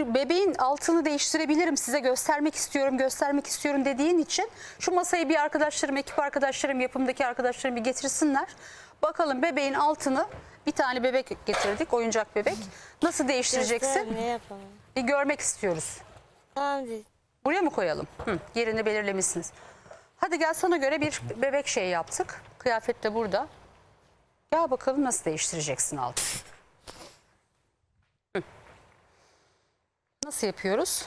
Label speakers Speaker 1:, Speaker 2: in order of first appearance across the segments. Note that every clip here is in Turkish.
Speaker 1: bebeğin altını değiştirebilirim, size göstermek istiyorum dediğin için şu masayı bir arkadaşlarım, ekip arkadaşlarım, yapımdaki arkadaşlarım bir getirsinler. Bakalım bebeğin altını, bir tane bebek getirdik, oyuncak bebek. Nasıl değiştireceksin?
Speaker 2: Ne yapalım?
Speaker 1: Bir görmek istiyoruz.
Speaker 2: Tamam değil.
Speaker 1: Buraya mı koyalım? Yerini belirlemişsiniz. Hadi gel, sana göre bir bebek şeyi yaptık. Kıyafet de burada. Gel bakalım nasıl değiştireceksin altını. Nasıl yapıyoruz?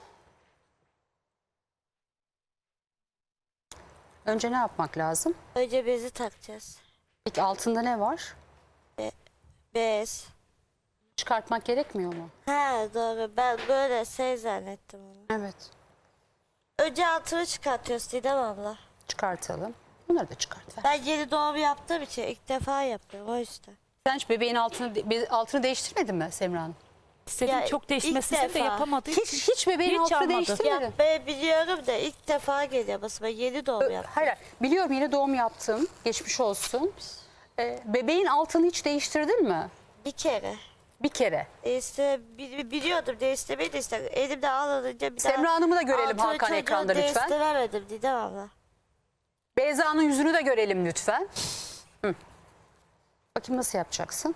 Speaker 1: Önce ne yapmak lazım?
Speaker 2: Önce bezi takacağız.
Speaker 1: Peki altında ne var?
Speaker 2: Bez.
Speaker 1: Çıkartmak gerekmiyor mu?
Speaker 2: Ha doğru. Ben böyle şey zannettim onu.
Speaker 1: Evet.
Speaker 2: Önce altını çıkartıyoruz Didem abla.
Speaker 1: Çıkartalım. Bunları da çıkart ver.
Speaker 2: Ben yeni doğum yaptığım için ilk defa yapıyorum o yüzden.
Speaker 1: Sen hiç bebeğin altını değiştirmedin mi Semra Hanım?
Speaker 3: İstedim
Speaker 2: Ya,
Speaker 3: çok
Speaker 2: ilk
Speaker 3: değişmesini de
Speaker 2: defa.
Speaker 3: yapamadığı için.
Speaker 1: Hiç bebeğin
Speaker 3: Hiç
Speaker 1: altını
Speaker 3: almadım.
Speaker 1: değiştirmedin.
Speaker 2: Ya ben biliyorum da ilk defa geliyor basıma. Yeni doğum yaptım.
Speaker 1: Hayır, biliyorum yeni doğum yaptın. Geçmiş olsun. Bebeğin altını hiç değiştirdin mi?
Speaker 2: Bir kere.
Speaker 1: Bir kere.
Speaker 2: Biliyordum değiştirmeyi de işte elimde alınınca bir daha.
Speaker 1: Semra Hanım'ı da görelim
Speaker 2: altını
Speaker 1: Hakan
Speaker 2: çocuğu
Speaker 1: ekranda lütfen.
Speaker 2: Değiştiremedim Didem abla.
Speaker 1: Beyza'nın yüzünü de görelim lütfen. Bakayım nasıl yapacaksın?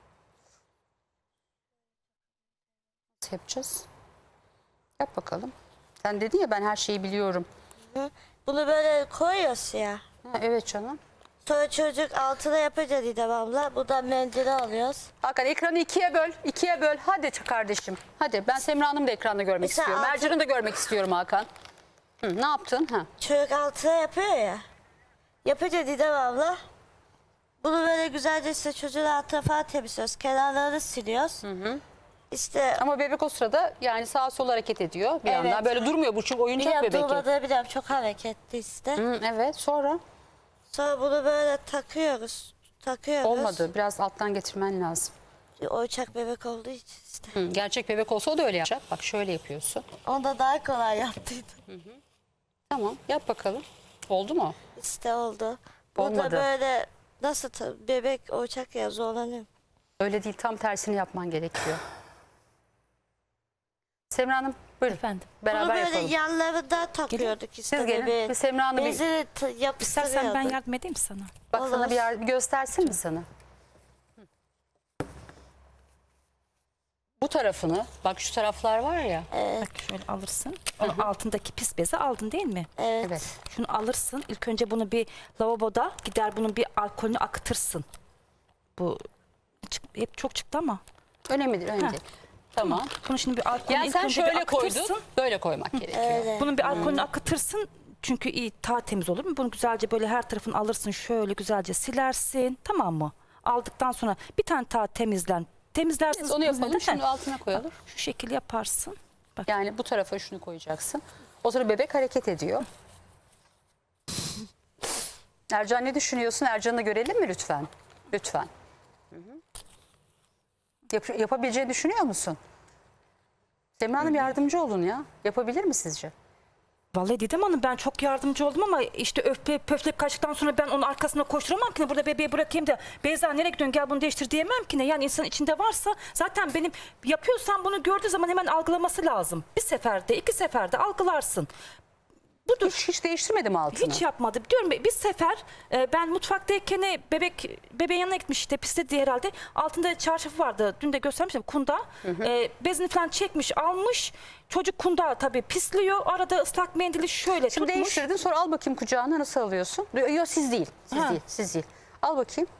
Speaker 1: Nasıl yapacağız? Yap bakalım. Sen dedin ya ben her şeyi biliyorum.
Speaker 2: Bunu böyle koyuyoruz ya.
Speaker 1: Ha, evet canım.
Speaker 2: Sonra çocuk altına yapınca Didem abla. Buradan mendili alıyoruz.
Speaker 1: Hakan ekranı ikiye böl. İkiye böl. Hadi kardeşim. Hadi ben Semra Hanım'ı da ekranda görmek
Speaker 2: Mesela
Speaker 1: istiyorum.
Speaker 2: altı-
Speaker 1: Mercan'ı da görmek istiyorum Hakan. Ne yaptın? Ha.
Speaker 2: Çocuk altına yapıyor ya. Yapınca Didem abla. Bunu böyle güzelce işte çocuğun altına falan temizliyoruz. Kenarlarını siliyoruz. İşte
Speaker 1: Ama bebek o sırada yani sağa sola hareket ediyor bir
Speaker 2: Evet.
Speaker 1: yandan. Böyle durmuyor bu çünkü oyuncak
Speaker 2: bir
Speaker 1: bebek.
Speaker 2: durmadığı biliyorum çok hareketli işte.
Speaker 1: Evet, sonra
Speaker 2: Sonra bunu böyle takıyoruz.
Speaker 1: olmadı. Biraz alttan getirmen lazım.
Speaker 2: Oyuncak bebek olduğu için işte.
Speaker 1: Gerçek bebek olsa o da öyle yapacak. Bak şöyle yapıyorsun.
Speaker 2: Onda daha kolay yaptıydım.
Speaker 1: Tamam, yap bakalım. Oldu mu?
Speaker 2: İşte oldu. Burada
Speaker 1: Olmadı.
Speaker 2: böyle nasıl bebek oyuncak ya zorlanıyorum.
Speaker 1: Öyle değil, tam tersini yapman gerekiyor. Semra Hanım buyurun.
Speaker 3: Efendim.
Speaker 1: Beraber
Speaker 2: Bunu böyle
Speaker 1: yapalım.
Speaker 2: yanlarında takıyorduk işte
Speaker 1: Siz gelin.
Speaker 2: bebeği.
Speaker 1: Bir Semra Hanım bir,
Speaker 2: Bezini
Speaker 3: İstersen
Speaker 2: yapıştırıyorduk.
Speaker 3: ben yardım edeyim sana.
Speaker 1: bak sana
Speaker 2: Olur.
Speaker 1: bir göstersin mi sana? Bu tarafını, bak şu taraflar var ya.
Speaker 3: Bak şöyle alırsın. Onun altındaki pis bezi aldın değil mi?
Speaker 1: Evet.
Speaker 3: Şunu alırsın. İlk önce bunu bir lavaboda gider bunun bir alkolünü akıtırsın. Bu hep çok çıktı ama.
Speaker 1: Önemli değil, önemli
Speaker 3: Ha.
Speaker 1: değil. Tamam.
Speaker 3: Bunu şimdi bir alkolünü
Speaker 1: Yani
Speaker 3: ilk
Speaker 1: sen
Speaker 3: önce bir
Speaker 1: şöyle koydun,
Speaker 3: akıtırsın.
Speaker 1: böyle koymak gerekiyor.
Speaker 2: Öyle.
Speaker 3: Bunun bir alkolünü akıtırsın. Çünkü iyi daha temiz olur mu? Bunu güzelce böyle her tarafını alırsın. Şöyle güzelce silersin. Tamam mı? Aldıktan sonra bir tane daha temizlersin.
Speaker 1: Biz onu yapalım, şunu altına koyalım.
Speaker 3: Şu şekil yaparsın. Bak.
Speaker 1: Yani bu tarafa şunu koyacaksın. O sonra bebek hareket ediyor. Ercan ne düşünüyorsun? Ercan'ı görelim mi lütfen? Lütfen. Yapabileceğini düşünüyor musun? Semra Hanım yardımcı olun ya. Yapabilir mi sizce?
Speaker 3: Vallahi Didem Hanım ben çok yardımcı oldum ama işte pöflek kaçtıktan sonra ben onun arkasına koşturamam ki ne, burada bebeği bırakayım da Beyza nereye gidiyorsun gel bunu değiştir diyemem ki ne. Yani insan içinde varsa zaten benim yapıyorsan bunu gördüğü zaman hemen algılaması lazım. Bir seferde 2 seferde algılarsın. Budur.
Speaker 1: Hiç değiştirmedim altını.
Speaker 3: Hiç yapmadı. Diyorum bir sefer ben mutfaktayken bebeğin yanına gitmiş işte pisledi herhalde. Altında çarşafı vardı. Dün de göstermiştim kunda. Bezini falan çekmiş almış. Çocuk kunda tabii pisliyor. Arada ıslak mendili şöyle
Speaker 1: Şimdi
Speaker 3: tutmuş.
Speaker 1: değiştirdin, sonra al bakayım kucağına, nasıl alıyorsun? Yok siz değil. Siz
Speaker 3: Ha.
Speaker 1: değil. Siz değil. Al bakayım.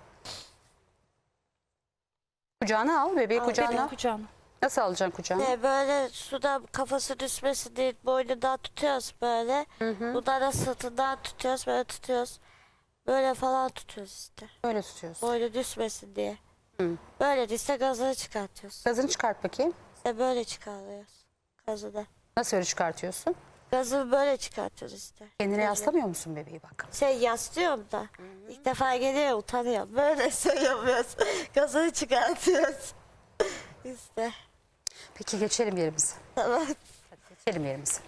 Speaker 1: Kucağına al, bebeği kucağına.
Speaker 3: Bebeğin kucağına.
Speaker 1: Nasıl alacaksın kucağına?
Speaker 2: Böyle suda kafası düşmesin diye boynundan tutuyoruz böyle. Buradan da sırtından tutuyoruz böyle tutuyoruz. Böyle falan tutuyoruz işte.
Speaker 1: Böyle tutuyorsun.
Speaker 2: Boynu düşmesin diye. Böyle de işte gazını çıkartıyoruz.
Speaker 1: Gazını çıkart bakayım.
Speaker 2: İşte böyle çıkarıyoruz gazını.
Speaker 1: Nasıl öyle çıkartıyorsun?
Speaker 2: Gazını böyle çıkartıyoruz işte.
Speaker 1: Kendine yaslamıyor musun bebeği bak?
Speaker 2: Yaslıyorum da. İlk defa geliyor utanıyorum. Böyle şey yapıyoruz. Gazını çıkartıyoruz. İşte.
Speaker 1: Peki geçelim yerimize.
Speaker 2: Tamam.
Speaker 1: Geçelim yerimize.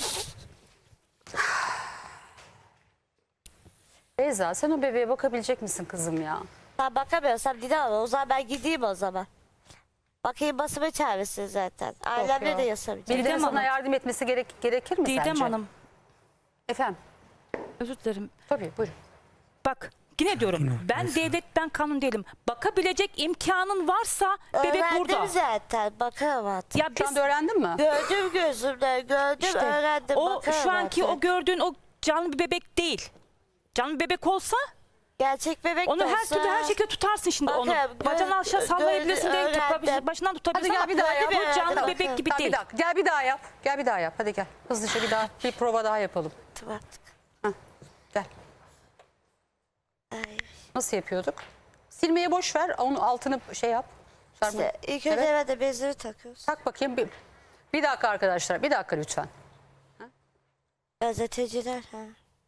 Speaker 1: Beyza sen o bebeğe bakabilecek misin kızım ya?
Speaker 2: Ben bakamıyorsam Didem abla o zaman ben gideyim o zaman. Bakayım basıma çağırsın zaten. Ailemle
Speaker 1: ya.
Speaker 2: de yasamayacak.
Speaker 1: Birilerinin
Speaker 3: Didem
Speaker 1: sana
Speaker 3: Hanım.
Speaker 1: yardım etmesi gerekir mi
Speaker 3: Didem
Speaker 1: sence?
Speaker 3: Hanım,
Speaker 1: Efendim?
Speaker 3: özür dilerim.
Speaker 1: Tabii buyurun.
Speaker 3: Bak yine diyorum ben devletten kanun değilim. Bakabilecek imkanın varsa bebek
Speaker 2: Öğrendim
Speaker 3: burada.
Speaker 2: zaten. Bakarım artık.
Speaker 3: Ya
Speaker 1: Şu
Speaker 3: biz
Speaker 1: anda öğrendin mi?
Speaker 2: Gördüm gözümle. Gördüm
Speaker 3: işte
Speaker 2: öğrendim.
Speaker 3: o
Speaker 2: bakarım
Speaker 3: şu anki
Speaker 2: artık.
Speaker 3: o gördüğün o canlı bir bebek değil. Canlı bir bebek olsa
Speaker 2: Gerçek bebek
Speaker 3: onu
Speaker 2: de
Speaker 3: her
Speaker 2: olsa-
Speaker 3: türlü her şekilde tutarsın şimdi onu.
Speaker 2: Bakarım,
Speaker 3: Bacağını aşağı sallayabilirsin değil
Speaker 2: öğrendim.
Speaker 3: başından tutabilirsin
Speaker 1: Hadi
Speaker 3: ama
Speaker 1: gel bir daha yap.
Speaker 3: bu canlı
Speaker 2: Hadi
Speaker 3: bebek gibi
Speaker 1: Tamam,
Speaker 3: değil.
Speaker 1: bir dakika. Gel bir daha yap. Gel bir daha yap. Hadi gel. Hızlıca bir prova daha yapalım.
Speaker 2: Artık.
Speaker 1: Gel.
Speaker 2: Ay.
Speaker 1: Nasıl yapıyorduk? Silmeye boş ver. Onun altını şey yap. Sarma.
Speaker 2: İşte ilk önce
Speaker 1: Evet.
Speaker 2: evet. de bezleri takıyoruz.
Speaker 1: Tak bakayım. Bir dakika arkadaşlar. Bir dakika lütfen.
Speaker 2: Gazeteciler. Ha.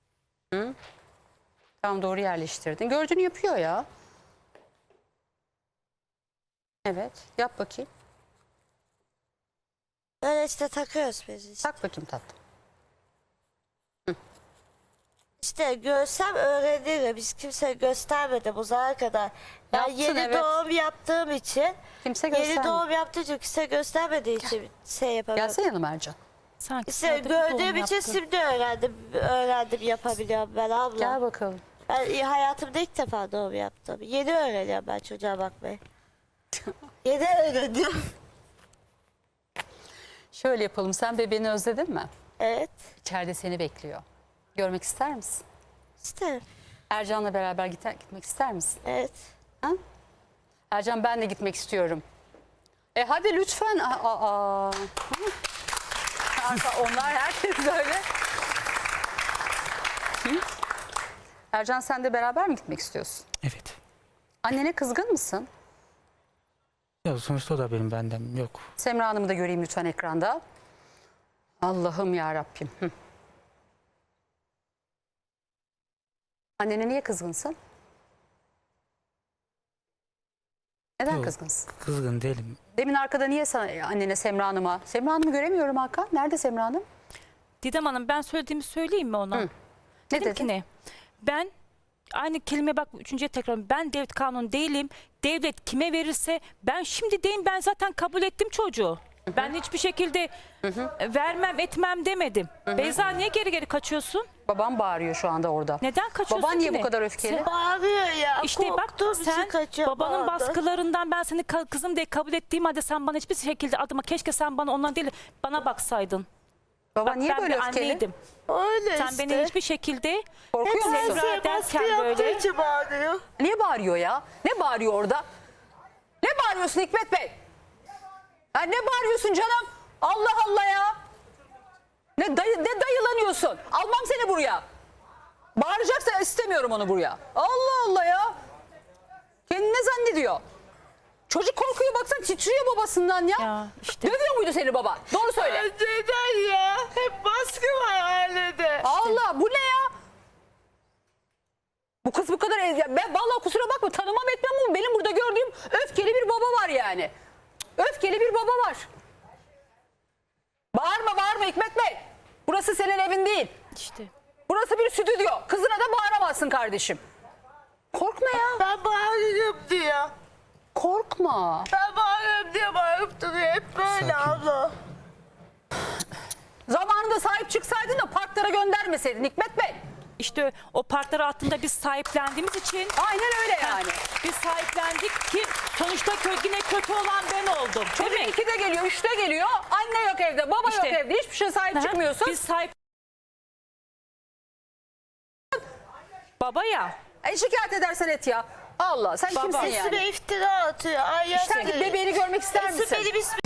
Speaker 1: Tam doğru yerleştirdin. Gördüğünü yapıyor ya. Evet. Yap bakayım.
Speaker 2: Böyle işte takıyoruz bezi. İşte.
Speaker 1: Tak bakayım tatlım.
Speaker 2: İşte görsem öğrenirim. Biz kimse göstermedi bu zamana kadar. Ben
Speaker 1: Yaptın,
Speaker 2: yeni
Speaker 1: evet.
Speaker 2: doğum yaptığım için,
Speaker 1: Kimse
Speaker 2: yeni
Speaker 1: göstermiyor.
Speaker 2: doğum yaptığım için kimse göstermediği için şey yapamadım.
Speaker 1: Gelsene yanıma Ercan.
Speaker 3: Sanki
Speaker 2: İşte
Speaker 3: sade bir doğum
Speaker 2: gördüğüm için
Speaker 3: yaptı.
Speaker 2: şimdi öğrendim yapabiliyorum ben abla.
Speaker 1: Gel bakalım.
Speaker 2: Ben hayatımda ilk defa doğum yaptım. Yeni öğreniyorum ben çocuğa bakmayı. Yeni öğreniyorum.
Speaker 1: Şöyle yapalım. Sen bebeğini özledin mi?
Speaker 2: Evet.
Speaker 1: İçeride seni bekliyor. Görmek ister misin?
Speaker 2: İsterim.
Speaker 1: Ercan'la beraber gitmek ister misin?
Speaker 2: Evet.
Speaker 1: Ha? Ercan ben de gitmek istiyorum. Hadi lütfen. Aa. Onlar herkes böyle. Hı? Ercan sen de beraber mi gitmek istiyorsun?
Speaker 4: Evet.
Speaker 1: Annene kızgın mısın?
Speaker 4: Ya sonuçta o da benim benden yok.
Speaker 1: Semra Hanım'ı da göreyim lütfen ekranda. Allah'ım ya Rabbim. Annene niye kızgınsın? Neden
Speaker 4: Yok,
Speaker 1: kızgınsın?
Speaker 4: Kızgın değilim.
Speaker 1: Demin arkada niye annene Semra Hanım'a? Semra Hanım'ı göremiyorum Hakan. Nerede Semra Hanım?
Speaker 3: Didem Hanım ben söylediğimi söyleyeyim mi ona?
Speaker 1: Ne
Speaker 3: Dedim
Speaker 1: dedin?
Speaker 3: ki ne? Ben aynı kelime bak üçüncüye tekrar ben devlet kanunu değilim. Devlet kime verirse ben şimdi deyim ben zaten kabul ettim çocuğu. Ben hiçbir şekilde vermem etmem demedim. Beyza niye geri geri kaçıyorsun?
Speaker 1: Babam bağırıyor şu anda orada.
Speaker 3: Neden kaçıyorsun
Speaker 1: Baban niye
Speaker 3: ki
Speaker 1: bu
Speaker 3: ne?
Speaker 1: kadar öfkeli?
Speaker 2: Bağırıyor ya.
Speaker 3: İşte bak
Speaker 2: korktuğum için
Speaker 3: sen
Speaker 2: kaçıyor
Speaker 3: babanın
Speaker 2: bağırdı.
Speaker 3: baskılarından ben seni kızım diye kabul ettiğim halde sen bana hiçbir şekilde adıma keşke sen bana ondan değil bana baksaydın.
Speaker 1: Baba
Speaker 3: Bak,
Speaker 1: niye
Speaker 3: ben
Speaker 1: böyle
Speaker 3: bir
Speaker 1: öfkeli?
Speaker 3: anneydim.
Speaker 2: Öyle
Speaker 3: Sen
Speaker 2: işte.
Speaker 3: beni hiçbir şekilde
Speaker 1: Korkuyor musun?
Speaker 3: Semra
Speaker 2: baskı
Speaker 3: derken
Speaker 2: yaptığı
Speaker 3: böyle
Speaker 2: için bağırıyor.
Speaker 1: Niye bağırıyor ya? Ne bağırıyor orada? Ne bağırıyorsun Hikmet Bey? Ya ne bağırıyorsun canım? Allah Allah ya. Ne dayılanıyorsun? Almam seni buraya. Bağıracaksa istemiyorum onu buraya. Allah Allah ya. Kendini ne zannediyor? Çocuk korkuyor baksana titriyor babasından ya.
Speaker 3: Ya işte.
Speaker 1: Dövüyor muydu seni baba? Doğru söyle.
Speaker 2: Neden ya? Hep baskı var ailede.
Speaker 1: Allah bu ne ya? Bu kız bu kadar ben vallahi kusura bakma tanımam etmem ama benim burada gördüğüm öfkeli bir baba var yani. Öfkeli bir baba var. Bağırma Hikmet Bey. Burası senin evin değil.
Speaker 3: işte.
Speaker 1: Burası bir stüdyo. Kızına da bağıramazsın kardeşim. Korkma ya.
Speaker 2: Ben bağırıyorum diyor.
Speaker 1: Korkma.
Speaker 2: Ben bağırıyorum diye bağırıp duruyor. Hep böyle
Speaker 4: Sakin.
Speaker 2: abla.
Speaker 1: Zamanında sahip çıksaydın da parklara göndermeseydin Hikmet Bey.
Speaker 3: İşte o parkları altında biz sahiplendiğimiz için
Speaker 1: Aynen öyle yani.
Speaker 3: biz sahiplendik ki sonuçta yine kötü olan ben oldum.
Speaker 1: Çocuk
Speaker 3: Değil mi?
Speaker 1: 2'de geliyor, 3'te geliyor. Anne yok evde, baba
Speaker 3: İşte.
Speaker 1: yok evde. Hiçbir şey sahip
Speaker 3: Aha,
Speaker 1: çıkmıyorsun.
Speaker 3: Biz sahip... Baba ya.
Speaker 1: Şikayet edersen et ya. Allah sen
Speaker 3: Baba.
Speaker 1: kimsin yani?
Speaker 2: Üstüme iftira atıyor. Ay
Speaker 1: Sen git bebeğini görmek ister misin?
Speaker 2: Benim ismimi